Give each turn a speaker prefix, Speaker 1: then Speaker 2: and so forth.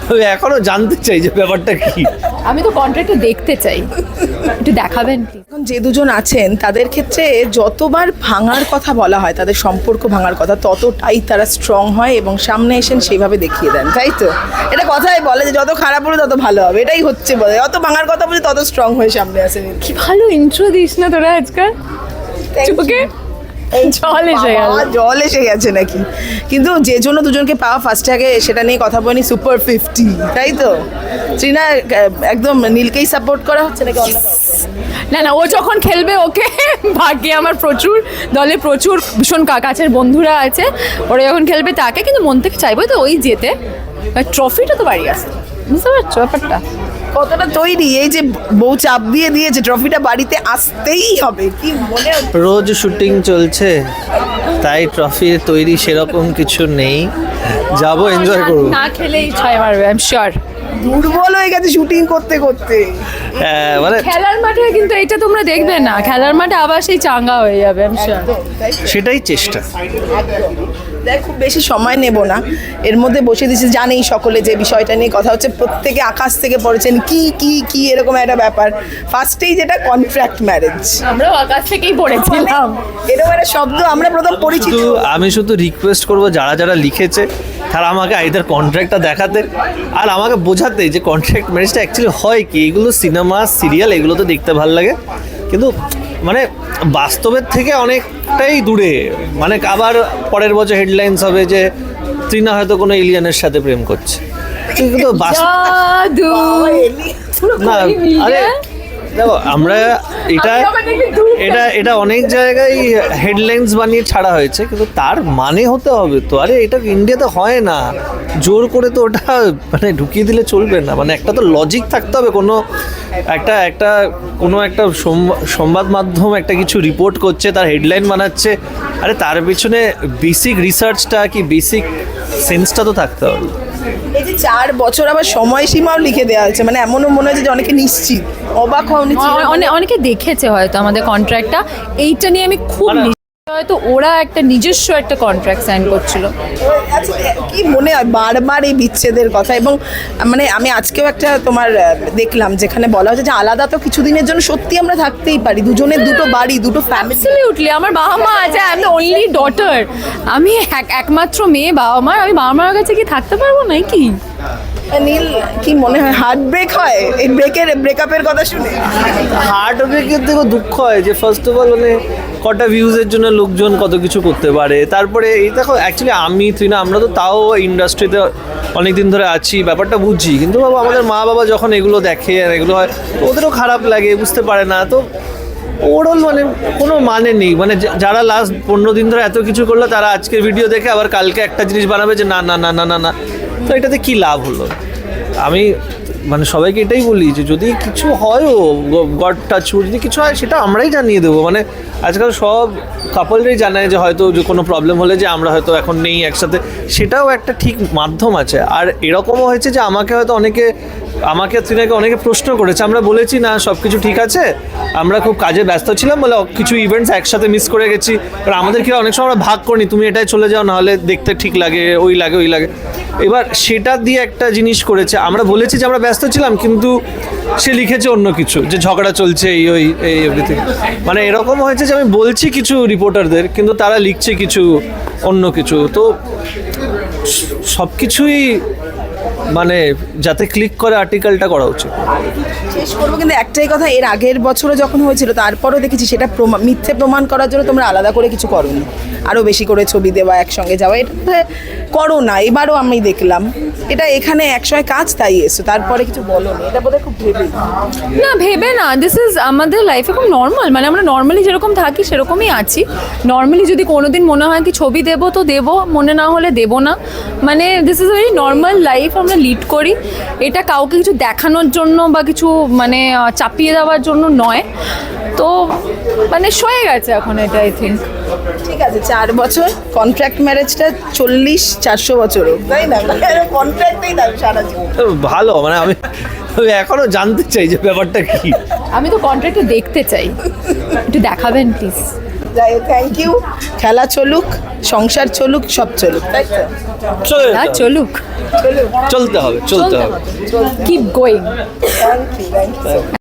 Speaker 1: আমি এখনো জানতে চাই যে ব্যাপারটা কি।
Speaker 2: আমি তো কন্ট্রাক্টটা দেখতে চাই, একটু দেখাবেন প্লিজ।
Speaker 3: এখন যে দুজন আছেন তাদের ক্ষেত্রে যতবার ভাঙার কথা বলা হয়, তাদের সম্পর্ক ভাঙার কথা, ততটাই তারা স্ট্রং হয় এবং সামনে এসেন সেইভাবে দেখিয়ে দেন, তাই তো? এটা কথাই বলে যে যত খারাপ হলে তত ভালো হবে, এটাই হচ্ছে বলে, যত ভাঙার কথা বলে তত স্ট্রং হয়ে সামনে আসেন।
Speaker 2: কি ভালো ইন্ট্রো দিস না তোরা আজকাল, চোখে জল এসে গেল।
Speaker 3: জল এসে গেছে নাকি? কিন্তু যে জন্য দুজনকে পাওয়া ফার্স্টে আগে সেটা নিয়ে কথা বলি, সুপার 50, তাই তো? ট্রিনা একদম নীলকেই সাপোর্ট করা হচ্ছে নাকি অন্য কাউকে?
Speaker 2: না না, ও যখন খেলবে ওকে ভাগ্যে আমার প্রচুর দলে প্রচুর ভীষণ কাছের বন্ধুরা আছে, ওরা যখন খেলবে তাকে, কিন্তু মন থেকে চাইবো তো ওই যেতে, ট্রফিটা তো বাড়ি আসছে, বুঝতে পারছো ব্যাপারটা?
Speaker 3: কতটা তৈরি, এই যে বউ চাপ দিয়ে দিয়েছে ট্রফিটা বাড়িতে আসতেই হবে, কি মনে হচ্ছে?
Speaker 1: রোজ শুটিং চলছে, তাই ট্রফির তৈরি সেরকম কিছু নেই, যাবো এনজয় করবো।
Speaker 2: না খেলেই ছয় মারবে, আই এম শিওর।
Speaker 3: দুর্বল হয়ে গেছে শুটিং করতে করতে।
Speaker 1: মানে
Speaker 2: খেলার মাঠে কিন্তু এটা তোমরা দেখবে না, খেলার মাঠে আবার সেই চাঙ্গা হয়ে যাবে, আই এম শিওর।
Speaker 1: সেটাই চেষ্টা।
Speaker 3: দেখ, খুব বেশি সময় নেব না, এর মধ্যে বসে দিয়েছি, জানেই সকলে যে বিষয়টা নিয়ে কথা হচ্ছে, প্রত্যেকে আকাশ থেকে পড়েছেন কি কি কি এরকম একটা ব্যাপার। ফার্স্টেই যেটা কন্ট্রাক্ট ম্যারেজ,
Speaker 2: আমরাও আকাশ থেকেই পড়েছিলাম
Speaker 3: এরকম একটা শব্দ আমরা প্রথম পরিচিত।
Speaker 1: আমি শুধু রিকোয়েস্ট করবো যারা যারা লিখেছে তারা আমাকে আইদার কন্ট্রাক্টটা দেখাতে আর আমাকে বোঝাতে যে কন্ট্রাক্ট ম্যারেজটা অ্যাকচুয়ালি হয় কি। এগুলো সিনেমা সিরিয়াল এগুলো তো দেখতে ভালো লাগে, কিন্তু মানে বাস্তবের থেকে অনেকটাই দূরে। মানে আবার পরের বছর হেডলাইন্স হবে যে তৃণা হয়তো কোনো এলিয়ানের সাথে প্রেম করছে, কিন্তু
Speaker 2: জাদু
Speaker 1: না, আরে দেখো আমরা এটা এটা এটা অনেক জায়গায় হেডলাইন্স বানিয়ে ছাড়া হয়েছে, কিন্তু তার মানে হতে হবে তো। আরে এটা ইন্ডিয়াতে হয় না, জোর করে তো ওটা মানে ঢুকিয়ে দিলে চলবে না। মানে একটা তো লজিক থাকতে হবে, কোনো একটা কোনো একটা সংবাদ মাধ্যম একটা কিছু রিপোর্ট করছে, তার হেডলাইন বানাচ্ছে, আরে তার পিছনে বেসিক রিসার্চটা কি বেসিক সেন্সটা তো থাকতে হবে।
Speaker 3: এই যে 4 বছর আবার সময়সীমাও লিখে দেওয়া হয়েছে, মানে এমনও মনে হচ্ছে যে অনেকে নিশ্চিত, অবাক হওয়া
Speaker 2: অনেকে দেখেছে হয়তো আমাদের কন্ট্রাক্টটা, এইটা নিয়ে আমি খুব হয়তো ওরা একটা নিজস্ব একটা কন্ট্রাক্ট সাইন করছিল।
Speaker 3: আচ্ছা, কি মনে হয় বারবার এই বিচ্ছেদের কথা? এবং মানে আমি আজকেও একটা তোমার দেখলাম যেখানে বলা হচ্ছে যে আলাদা তো কিছুদিনের জন্য সত্যি আমরা থাকতেই পারি, দুজনের দুটো বাড়ি, দুটো ফ্যামিলি।
Speaker 2: অ্যাবসলিউটলি, আমার বাবা মা আছে, I am the only daughter, আমি একমাত্র মেয়ে বাবা মার, আমি বাবা মার কাছে কি থাকতে পারবো না কি?
Speaker 3: নীল, কি মনে হয় হার্ট ব্রেক হয় এই ব্রেকআপের কথা শুনে?
Speaker 1: হার্ট ব্রেকের থেকে দুঃখ হয় যে ফার্স্ট অফ অল মানে কটা ভিউজের জন্য লোকজন কত কিছু করতে পারে। তারপরে এই দেখো অ্যাকচুয়ালি আমি তৃণা আমরা তো তাও ইন্ডাস্ট্রিতে অনেক দিন ধরে আছি, ব্যাপারটা বুঝছি, কিন্তু বাবা আমাদের মা বাবা যখন এগুলো দেখে আর এগুলো হয় তো ওদেরও খারাপ লাগে, বুঝতে পারে না। তো ওভারঅল মানে কোনো মানে নেই, মানে যারা লাস্ট 15 দিন ধরে এত কিছু করলো তারা আজকের ভিডিও দেখে আবার কালকে একটা জিনিস বানাবে যে না না না না না না, তো এটাতে কী লাভ হলো? আমি মানে সবাইকে এটাই বলি যে যদি কিছু হয়ও, গড টাচ, যদি কিছু হয় সেটা আমরাই জানিয়ে দেবো। মানে আজকাল সব কাপলরাই জানায় যে হয়তো যে কোনো প্রবলেম হলে যে আমরা হয়তো এখন নেই একসাথে, সেটাও একটা ঠিক মাধ্যম আছে। আর এরকমও হয়েছে যে আমাকে হয়তো আমাকে তৃণাকে অনেকে প্রশ্ন করেছে, আমরা বলেছি না সব কিছু ঠিক আছে, আমরা খুব কাজে ব্যস্ত ছিলাম বলে কিছু ইভেন্টস একসাথে মিস করে গেছি, এবার আমাদের কি অনেক সময় আমরা ভাগ করিনি, তুমি এটাই চলে যাও, নাহলে দেখতে ঠিক লাগে, ওই লাগে। এবার সেটা দিয়ে একটা জিনিস করেছে, আমরা বলেছি যে আমরা ব্যস্ত ছিলাম, কিন্তু সে লিখেছে অন্য কিছু, যে ঝগড়া চলছে এই এভরিথিং। মানে এরকম হয়েছে যে আমি বলছি কিছু রিপোর্টারদের, কিন্তু তারা লিখছে কিছু অন্য কিছু। তো সব কিছুই মানে যাতে ক্লিক করে আর্টিকেলটা করা উচিত।
Speaker 3: শেষ করবো, কিন্তু একটাই কথা, এর আগের বছরও যখন হয়েছিল তারপরও দেখেছি সেটা মিথ্যে প্রমাণ করার জন্য তোমরা আলাদা করে কিছু করোনি, আরও বেশি করে ছবি দেওয়া, একসঙ্গে যাওয়া, এটা করো না। এবারও আমি দেখলাম এটা এখানে একসময় কাজ, তাই এসো, তারপরে কিছু বলো না, এটা বোধহয় খুব
Speaker 2: ভেবে না, দিস ইজ আমাদের লাইফে খুব নর্মাল, মানে আমরা নর্মালি যেরকম থাকি সেরকমই আছি। নর্মালি যদি কোনোদিন মনে হয় কি ছবি দেবো তো দেবো, মনে না হলে দেবো না, মানে this is very normal life আমরা লিড করি। এটা কাউকে কিছু দেখানোর জন্য বা কিছু মানে চাপিয়ে দেওয়ার জন্য নয়। তো মানে সয়ে গেছে এখন এটা, আই থিঙ্ক।
Speaker 3: ঠিক আছে, 4 বছর কন্ট্রাক্ট ম্যারেজটা 40-400 বছরও, তাই না? কন্ট্রাক্টেই থাকবে সারা জীবন।
Speaker 1: ভালো, মানে আমি এখনো জানতে চাই যে ব্যাপারটা কি।
Speaker 2: আমি তো কন্ট্রাক্টটা দেখতে চাই, একটু দেখাবেন প্লিজ।
Speaker 3: যাই হোক, থ্যাংক ইউ। খেলা চলুক, সংসার চলুক, সব চলুক, তাই তো?
Speaker 1: চলে যেতে
Speaker 2: আর
Speaker 1: হবে।
Speaker 2: চলুক,
Speaker 3: চলুক।
Speaker 1: চলতে হবে চলতে হবে
Speaker 2: keep going.
Speaker 3: Thank you, thank you.